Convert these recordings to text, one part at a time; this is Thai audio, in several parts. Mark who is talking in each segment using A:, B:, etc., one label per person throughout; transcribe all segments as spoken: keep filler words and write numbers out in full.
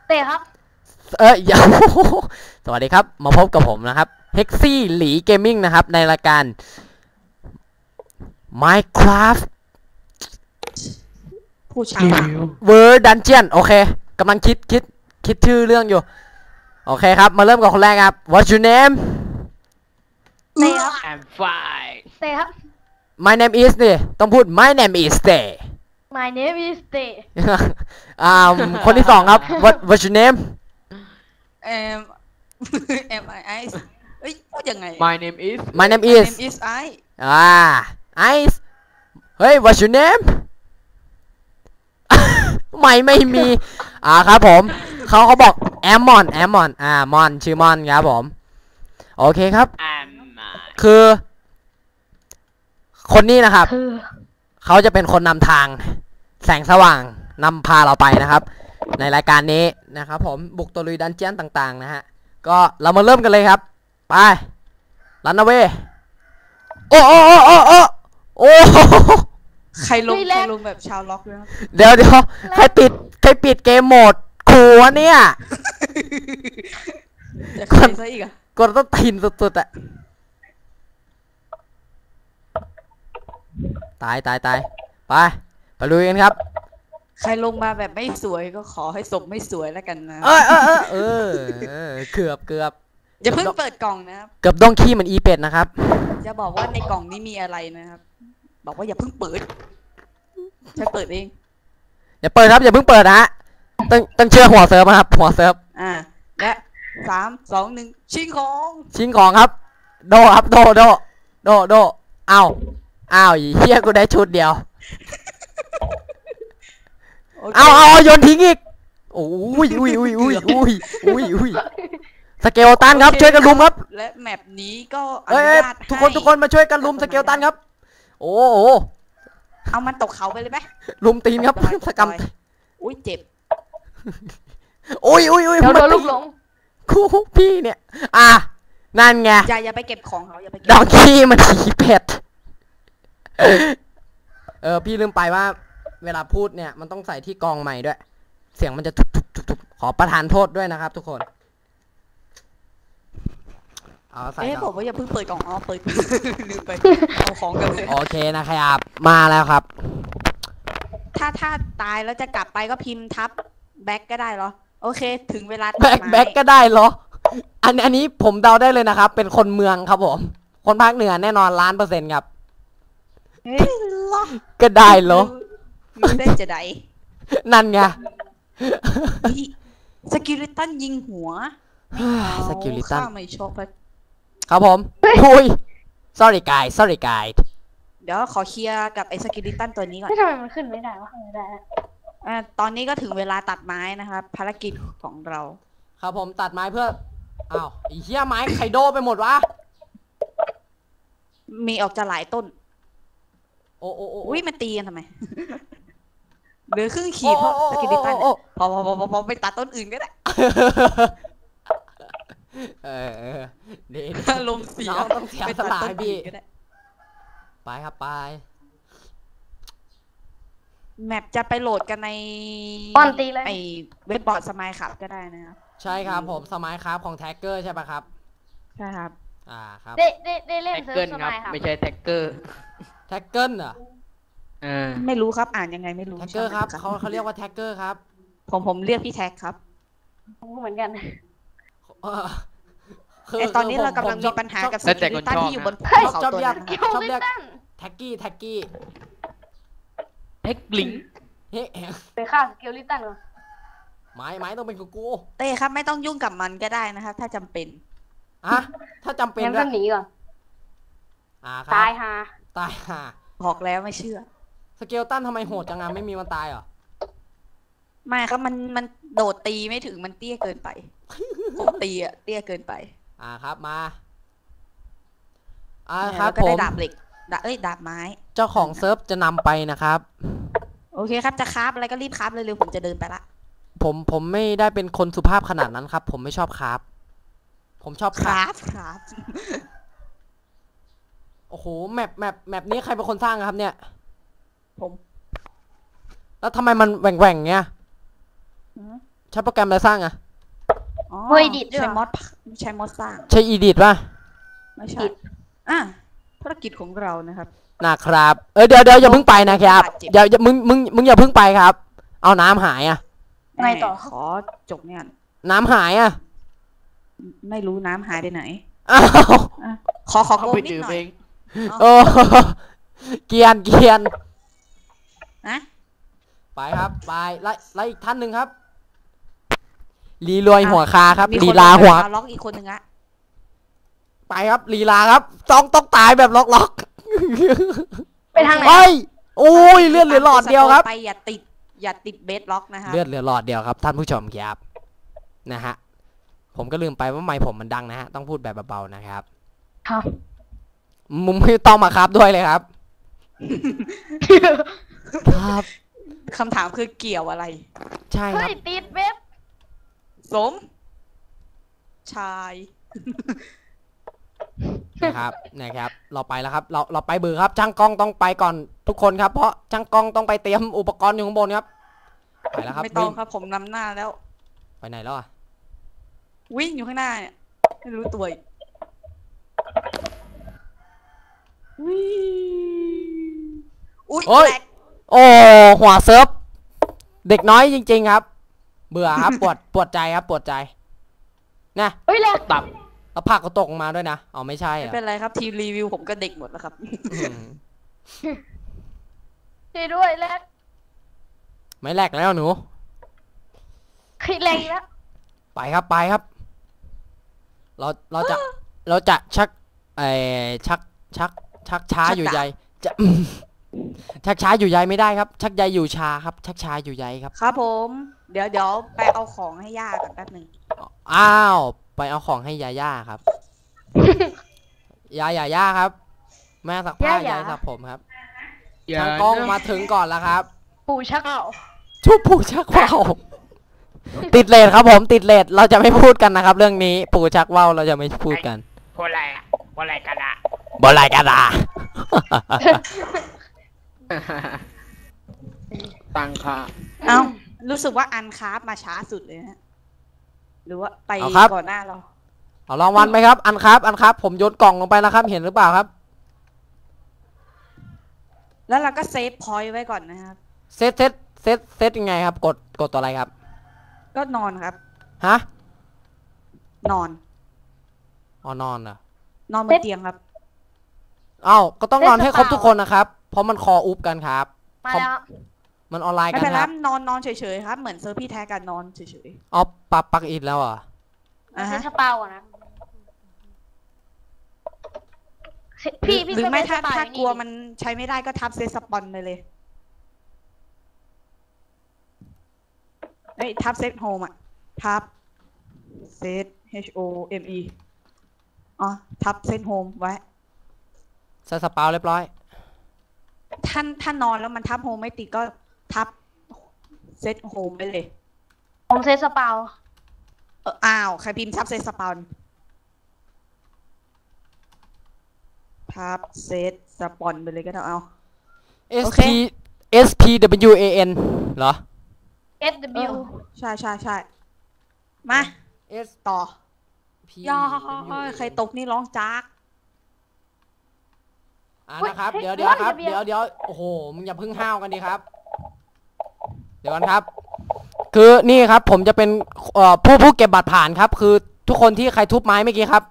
A: เต้ครับ
B: เอ้ยอย่าสวัสดีครับมาพบกับผมนะครับเฮกซี่หลีเกมมิ่งนะครับในรายการ Minecraft
C: ผู้ชาย
B: World Dungeon โอเคกำลังคิดคิดคิดชื่อเรื่องอยู่โอเคครับมาเริ่มกับคนแรกครับ What's your name
A: เต้ครับ
D: I'm fine
A: เต้ครับ
B: My name is นี่ต้องพูด My name is Stay
A: My name is เต้
B: อ่าคนที่สองครับ What What's your name
C: เอ็มเอ็มไอไอเอ้ยพูดยังไง
D: My name is
B: My name
C: My
B: is
C: name is I
B: อ่า Ice เฮ้ย What's your name ไม่ไม่มีอ่าครับผมเขาเขาบอกแอมมอนแอมมอนอ่ามอนชื่อมอนครับผมโอเคครับ
D: I'm
B: คือคนนี้นะครับ
A: คือ
B: เขาจะเป็นคนนำทางแสงสว่างนำพาเราไปนะครับในรายการนี้นะครับผมบุกตะลุยดันเจียนต่างๆนะฮะก็เรามาเริ่มกันเลยครับไปรันเอาเวโอ้โอ้โอ้โอ้โอ้โอ้
C: ใครลงใครลงแบบชาวล็อกนะครับ
B: เดี๋ยวเดี๋ยวใครปิดใครปิดเกมโหมดขู่วะเนี่ย
C: จะใครซะอีกอะ
B: กดต้องทินสุดๆอะตายตายตายไปไปลุยกันครับ
C: ใครลงมาแบบไม่สวยก็ขอให้ศพไม่สวยแล้วกันนะ
B: เออเออเออเออเออเกือบเกือบ
C: อย่าเพิ่งเปิดกล่องนะครับ
B: เกือบดองขี้เหมือนอีเป็ดนะครับ
C: จะบอกว่าในกล่องนี้มีอะไรนะครับบอกว่าอย่าเพิ่งเปิดฉันเปิดเอง
B: อย่าเปิดครับอย่าเพิ่งเปิดนะฮะต้องต้องเชื่อหัวเซิร์ฟนะครับหัวเซิร์ฟ
C: อ่าและสามสองหนึ่งชิงของ
B: ชิ้นของครับโดครับโดโดโดโดอ้าวอ้าวเฮียกูได้ชุดเดียว
C: โอเค
B: เอาเอาเอาโยนทิ้งอีกโอ้ยอุ้ยอุ้ยอุ้ยอุ้ยอุ้ยอุ้ยสเกลตันครับ
C: โอเ
B: ช่วยกันลุมครับ
C: และแมปนี้ก็อ
B: เอ้ย
C: นุ
B: เอ้ย
C: ญาต
B: ทุกคน
C: ให้
B: ทุกคนมาช่วยกันลุมสเกลตันครับโอ้โห
C: เอามันตกเขาไปเลยไหม
B: ลุมตีนครับ
C: ตกดอย
B: สกรรม
C: ตดอยอุ้ยเจ็บ
B: อุ้ยอุ้ยอุ้ย
A: เดี๋ยวโดน
B: มา
A: ลูกหลง
B: คู่พี่เนี่ยอ่ะนั่นไง
C: อย่าอย่าไปเก็บของเขาอย่าไปเก็บ
B: ดองขี้มันผีเผ็ดเออพี่ลืมไปว่า เวลาพูดเนี่ยมันต้องใส่ที่กองใหม่ด้วย เสียงมันจะทุบทุบทุบทุบขอประทานโทษด้วยนะครับ ทุกคนเอาใส่
C: เอ๊ะ
B: ก่
C: บ
B: อ
C: อน กว่าอย่าเพิ่งเปิดกล่องอ๋อเปิด ลืมไปเอาของกันเลย
B: โอเคนะครับมาแล้วครับ
C: ถ้าถ้าตายแล้วจะกลับไปก็พิมพ์ทับแบ็กก็ได้เหรอโอเคถึงเวลาตัด
B: แบ็ค
C: ไม้
B: แบ็คก็ได้เหรออันอันนี้ผมเดาได้เลยนะครับ เป็นคนเมืองครับผม คนภาคเหนือแน่นอนล้านเปอร์เซ็นต์ครับ
C: เฮ้ยเหรอ
B: ก็ได้เหรอ
C: รู้ได้จะได้
B: นั่นไง
C: สกิลิตันยิงหัว
B: สกิลิตัน
C: ข้าไม่ชอบเลย
B: ครับผมอุ้ย sorry guys sorry guys
C: เดี๋ยวขอเคลียร์กับไอ้สกิลิตันตัวนี้ก่อน
A: ไม่ทำไมมันขึ้นไม่ได้วะไม่ได้อะ
C: อ่าตอนนี้ก็ถึงเวลาตัดไม้นะครับภารกิจของเรา
B: ครับผมตัดไม้เพื่ออ้าวไอ้เหี้ยไม้ไคโดไปหมดวะ
C: มีออกจะหลายต้น
B: โอ้โอ้โอ้
C: อุ้ยมันตีกันทำไม เหลือครึ่งขีดเพราะสกิลิตันเนี่ยพอพอพอพอพอไปตัดต้นอื่นก็ได้
B: เออเออดี
C: อารมณ์เสีย
B: น้องต้องเสีย
C: ไป
B: ส
C: ตัด
B: ละ
C: ต้
B: ให้
C: น
B: พี่
C: อื่นก็ได้
B: ไปครับไป
C: แมปจะไปโหลดกันใน
A: ป้อนตีเลย
C: ไอเว็บบอร์ดสมายขับก็ได้นะครับ
B: ใช่ครับผมสมัยครับของแท็กเกอร์ใช่ปะครับ
C: ใช่ครับ
B: อ่าครับ
A: ได้ได้ได้เล่น
D: แท็ก
A: เซิ
D: เกิ
A: ร์
D: ล
A: ฟส
D: ครับ
A: มัยครับ
D: ไม่ใช่แท็กเกอร์
B: แท็กเกิลเหรอ
D: เออ
C: ไม่รู้ครับอ่านยังไงไม่รู้
B: แท็กเกอร์ครับเขาเขาเรียกว่าแท็กเกอร์ครับ
C: ผมผมเรียกพี่แท็กครับ
A: ผมก็เหมือนกัน
B: เออคื
C: ไอตอนนี้
B: คื
C: เรากำลัง
B: ผ
C: มี
B: ชอบ
C: ปัญหากับส
D: แล้วแต่
C: กิ
D: ค
C: ลิ
D: น
C: ตัน
D: ชอบ
C: ที่อยู่บน
D: นะ
C: ภูเขา
B: ชอบ
C: ตัว
B: เรียก
C: นั้น
A: เกี่
C: นะครับ
A: ยว
B: ชอบ
A: ลิ
B: เรียก
A: ตัน
B: แท็กกี้แท็กกี้
D: แท็กลิง
B: เฮ้ย
A: ไปฆ่าสเกลลิตันเหรอ
B: ไม้ไม้ต้องเป็นกูกู
C: เต้ครับไม่ต้องยุ่งกับมันก็ได้นะครับ ถ้าจำเป็น
B: อะถ้าจำเป็น
A: งั้น
B: ด้ว
A: ก็
B: ย
A: หนีก่อน
B: อ่าครับ
A: ตายฮา
B: ตายห่า
C: บอกแล้วไม่เชื่อ
B: สเกลตันทำไมโหดจังอะไม่มีมันตายเหรอ
C: ไม่ครับมันมันโดดตีไม่ถึงมันเตี้ยเกินไปผมตีอะเตี้ยเกินไป
B: อ่าครับมาอ่า
C: เนี่ย
B: ครับ
C: แล้วก็
B: ผ
C: ได้
B: ม
C: ดาบเหล็กดาบเอ้ยดาบไม้
B: เจ้าของเซิร์ฟจะนำไปนะครับ
C: โอเคครับจะคราฟอะไรก็รีบคราฟเร็วๆผมจะเดินไปละ
B: ผมผมไม่ได้เป็นคนสุภาพขนาดนั้นครับ ผมไม่ชอบคราฟผมชอบ
C: ค
B: ครา
C: รา
B: ฟ
C: ฟคราฟ
B: โอ้โหแมปแมปแมปนี้ใครเป็นคนสร้างครับเนี่ย
C: ผม
B: แล้วทำไมมันแหว่งแหว่งเงี้ยใช้โปรแกรมอะไรสร้างอะ
C: อ๋อ
A: เฮ้ยดิดด้วย
C: ใช้
A: เหรอ
C: มอดใช้มอดสร้าง
B: ใช้อีดิทป่ะ
C: ไม่ใช่อ่ะภารกิจของเรานะครับ
B: นะครับเออเดี๋ยวเดี๋ยวอย่าเพิ่งไปนะครับ
C: บาดเจ็บ
B: เดี๋ยวอย่ามึงมึงมึงอย่าเพิ่งไปครับ เอาน้ำหายอะ
A: ไงต่อ
C: ขอจบเนี่ย
B: น้ำหายอะ
C: ไม่รู้น้ำหายไปไหน
B: อ้าว
C: อ่ะขอขอ
D: เข้า
C: โก
D: ไป
C: นิด
D: ดื่ม
C: หน่อ
D: เอย ง
B: โอ้เกรียนเกรียน
C: นะ
B: ไปครับไปไล่ไล่อีกท่านหนึ่งครับลีรวยหัวคาครับ
C: มี
B: ลี
C: คน
B: ลาหัว
C: มาล็อกอีกคนหนึ่งอะ
B: ไปครับลีลาครับต้องต้องตายแบบล็อกล็อก
A: ไปทางไหน
B: เฮ้ยโอ้ยเลือดเหลือหลอดเดียวครับ
C: ไปอย่าติดอย่าติดเบสล็อกนะคะ
B: เลือดเหลือหลอดเดียวครับท่านผู้ชมครับนะฮะผมก็ลืมไปว่าไมค์ผมมันดังนะฮะต้องพูดแบบเบาๆนะครับ
A: ครับ
B: มุมไม่ต้องมาครับด้วยเลยครับ ครับ
C: คำถามคือเกี่ยวอะไร
B: ใช่ค
A: เฮ้
B: รับ
A: ยติดเว็บ
C: สม ชาย
B: นะครับนะครับเราไปแล้วครับเราเราไปเบือครับช่างกล้องต้องไปก่อนทุกคนครับเพราะช่างกล้องต้องไปเตรียมอุปกรณ์อยู่ข้างบนครับไปแล้วครับ
C: ไม่ต้อง
B: วิ่ง
C: ครับผมนำหน้าแล้ว
B: ไปไหนแล้วอ่ะ
C: วิ่งอยู่ข้างหน้าเนี่ยไม่รู้ตัวอีกวิ่งอุ้ย
B: โอ้ย
C: แหลก
B: โอ้หัวเซิร์ฟเด็กน้อยจริง ๆครับ เบื่อครับ ปวดปวดใจครับปวดใจนะ
A: เฮ้ยแหลก
D: ตับ
B: แล้วผักก็ตกลงมาด้วยนะอ๋อไม่ใช่
C: ไม่
B: อ่ะ
C: เป็นไรครับทีมรีวิวผมก็เด็กหมดแล้วครับ
B: อืม
A: ช่วยด้วยแหลก
B: ไม่แลกแล้วหนู
A: คิดแรงอีกแล้ว
B: ไปครับไปครับ เราเราจะเราจะชักไอชักชักชักช้า
C: ชัก
B: อยู่
C: ดาบ
B: ใยจะ ชักช้าอยู่ใยไม่ได้ครับ ชักใยอยู่ชาครับ ชักช้าอยู่ใยครับ
C: ครับผม เดี๋ยวเดี๋ยวไปเอาของให้ย่ากันแป๊บหนึ่ง
B: อ้าวไปเอาของให้ยาย่าครับ ยายาย่าครับ แม่สักผ้ายายสักผมครับ
D: อย่า
B: ทางกล้อง
D: นะ
B: มาถึงก่อนแล้วครับ
A: ปู่ชักเอา
B: ชุบปู่ชักว่าวติดเลทครับผมติดเลทเราจะไม่พูดกันนะครับ เรื่องนี้ปู่ชักว่าวเราจะไม่พูดกัน
D: พูดอะไรอะพูดอะไรกันอะ
B: บอลไรกันอ่ะ
D: ตังค่ะ
C: เอ้ารู้สึกว่าอันคราฟมาช้าสุดเลยนะหรือว่าไป
B: เอาครับ
C: ก่อนหน้าเรา
B: เอารางวัลไหมครับ อันครับอันครับ ผมโยนกล่องลงไปแล้วครับ เห็นหรือเปล่าครับ
C: แล้วเราก็เซฟพอยต์ไว้ก่อนนะครับ
B: เซตเซตเซตเซตยังไงครับ กดกดตัวอะไรครับ
C: ก็นอนครับ
B: ฮะ
C: นอน
B: อ๋อนอนเหรอน
C: อนบนเตียงครับ
B: เอ้าก็ต้องนอนให้ครบทุกคนนะครับ เพราะมันคออุบกันครับ
A: มาแล้ว
B: มันออนไลน์
C: ไม่
B: กัน
C: เป็นไร
B: ครับ
C: นอนนอนเฉยๆครับ เหมือนเซอร์พี่แท้กันนอนเฉย
B: อ๋อปักปักอิดแล้วเหรอ่ะ
C: ๆอ่ะ
A: เซ
C: ฮะ
A: สปาวอะนะพี่พี่
C: หรือไม่
A: เซ
C: ถ้า
A: สป
C: ถ้า
A: อยู่
C: กลัวมันใช้ไม่ได้ก็ทับเซตสปอนไปเลยเอ้ยทับเซตโฮมอ่ะทับเซต H O M E อ๋อทับเซตโฮมไว้
B: ใส่สปาวเรียบร้อย
C: ท่านถ้านอนแล้วมันทับโฮมไม่ติดก็ทับเซตโฮมไปเลย
A: ผมเซสปาว
C: เอออ้าวใครพิมพ์ทับเซตสปอนทับเซตสปอนไปเลยก็ได้เอา
B: S
C: โอเค
B: P S P W A N เหรอ
A: เอส
C: เอ
A: W
C: อใช่ใช่ใช่มา
B: S
C: ต่อ
B: P
C: ย่าใครตกนี่ร้องจาก
B: อ่านะครับ เดี๋ยวเดี๋ยวครับ เดี๋ยวเดี๋ยวโอ้โห มึงอย่าเพึ่งห้าวกันดีครับ เดี๋ยวกันครับ คือนี่ครับ ผมจะเป็นเอ่อผู้ผู้เก็บบัตรผ่านครับ คือทุกคนที่ใครทุบไม้เมื่อกี้ครับ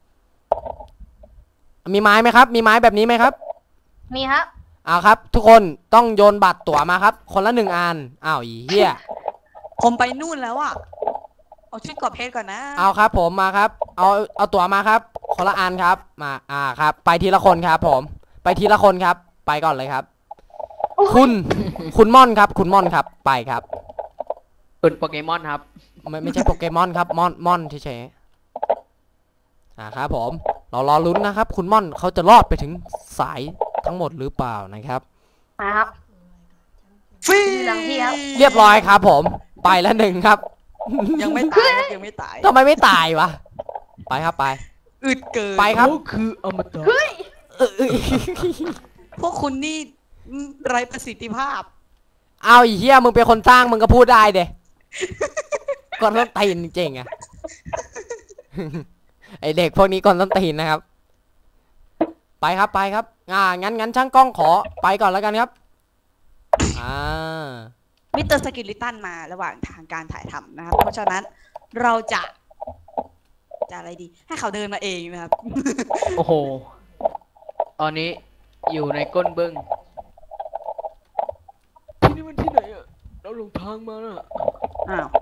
B: มีไม้ไหมครับ มีไม้แบบนี้ไหมครับ
A: มีครับ
B: เอาครับ ทุกคนต้องโยนบัตรตั๋วมาครับ คนละหนึ่งอันอ้าวอีเหี้ย
C: ผมไปนู่นแล้วอ่ะ เอาชุดกอบเพชรก่อนนะ
B: เอาครับ ผมมาครับ เอาเอาตั๋วมาครับ คนละอันครับ มาอ่าครับ ไปทีละคนครับ ผม ไปทีละคนครับ ไปก่อนเลยครับ คุณ คุณม่อนครับ คุณม่อนครับ ไปครับ
D: เป็นโปเกมอนครับ
B: ไม่ไม่ใช่โปเกมอนครับม่อนม่อนเฉยๆอ่าครับผมเรารอลุ้นนะครับ คุณม่อนเขาจะรอดไปถึงสายทั้งหมดหรือเปล่านะครับ
A: มาครับ
C: ฟรี
A: หลังพี่ครับ
B: เรียบร้อยครับ ผมไปแล้วหนึ่งครับ
C: ยังไม่ตายครับยังไม่ตาย
B: ทำไมไม่ตายวะไปครับไป
C: อึดเกิน
B: ไปครับ
D: เขาคืออมตะ
B: เออเออ
C: พวกคุณนี่ไร้ประสิทธิภาพ
B: เอาอีเหี้ยมึงเป็นคนสร้างมึงก็พูดได้เด้คนต้นตีนจริงๆอะ ไอเด็กพวกนี้คนต้นตีนนะครับ ไปครับไปครับอ่างั้นงั้นช่างกล้องขอไปก่อนแล้วกันครับอ่า
C: มิสเตอร์สกิลลิตันมาระหว่างทางการถ่ายทำนะครับ เพราะฉะนั้นเราจะจะอะไรดี ให้เขาเดินมาเองนะครับ
D: โอ้โห ตอนนี้อยู่ในก้นบึ้งที่นี่มันที่ไหนอะเราหลงทางมาน่ะ
C: อ้าว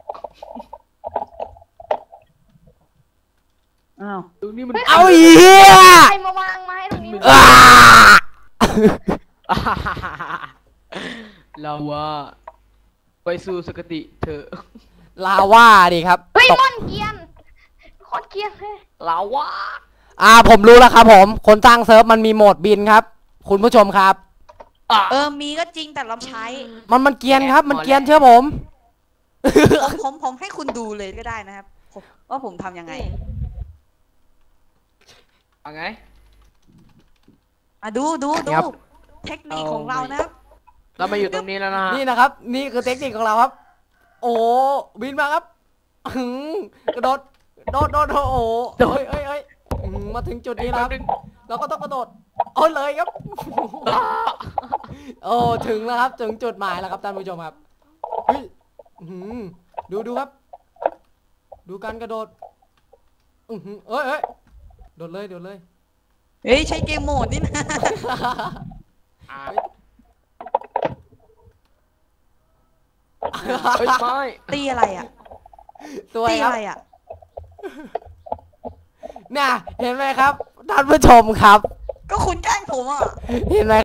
C: อ้าว
D: ตรงนี้มัน
B: เอาอีเหี้ย
A: ใครมาวางไม้ตรงนี้
B: อ่า
D: เราว่าไปสู่สกติเถอะ
B: ลาว่าดิครับ
A: เฮ้ย
B: ตก
A: ม่อนเกรียนโคตรเกรียนเลย
D: เราว่า
B: อ่าผมรู้แล้วครับผม คนสร้างเซิร์ฟมันมีโหมดบินครับ คุณผู้ชมครับ
C: เออ มีก็จริงแต่เราใช้
B: มันมันเกรียนครับ มันเกรียนเชื่อผม
C: ผมผมผมให้คุณดูเลยก็ได้นะครับผมว่าผมทำยังไง
D: เอาไง
C: อ่ะดูดูดู
B: ครับ
C: เทคนิคของเรานะครับ
D: เรามาอยู่ตรงนี้แล้วนะฮะ
B: นี่นะครับ นี่คือเทคนิคของเราครับ โอ้บินมาครับหึงกระโดดโดดโดดโดดโอ้โดดเอ้ยเอ้ยหึงมาถึงจุดนี้แล้วครับเราก็ต้องกระโดดโอ้เลยครับ โอ้ถึงแล้วครับถึงจุดหมายแล้วครับท่านผู้ชมครับเฮ้ยหึงดูดูครับ ดูการกระโดดอือหือเอ้ยเอ้ยโดดเลยโดดเลย
C: เฮ้ย ใช้เกมโหมดนี่นะ
D: อ่ะเฮ้ยไม่
C: ตีอะไรอ่ะ
B: สวย
C: ตี
B: ครั
C: อะ
B: บ
C: ไรอ่ะ
B: น่ะเห็นไหมครับท่านผู้ชมครับ
C: ก็คุณแกล้งผมอ่ะ
B: เห็นไหม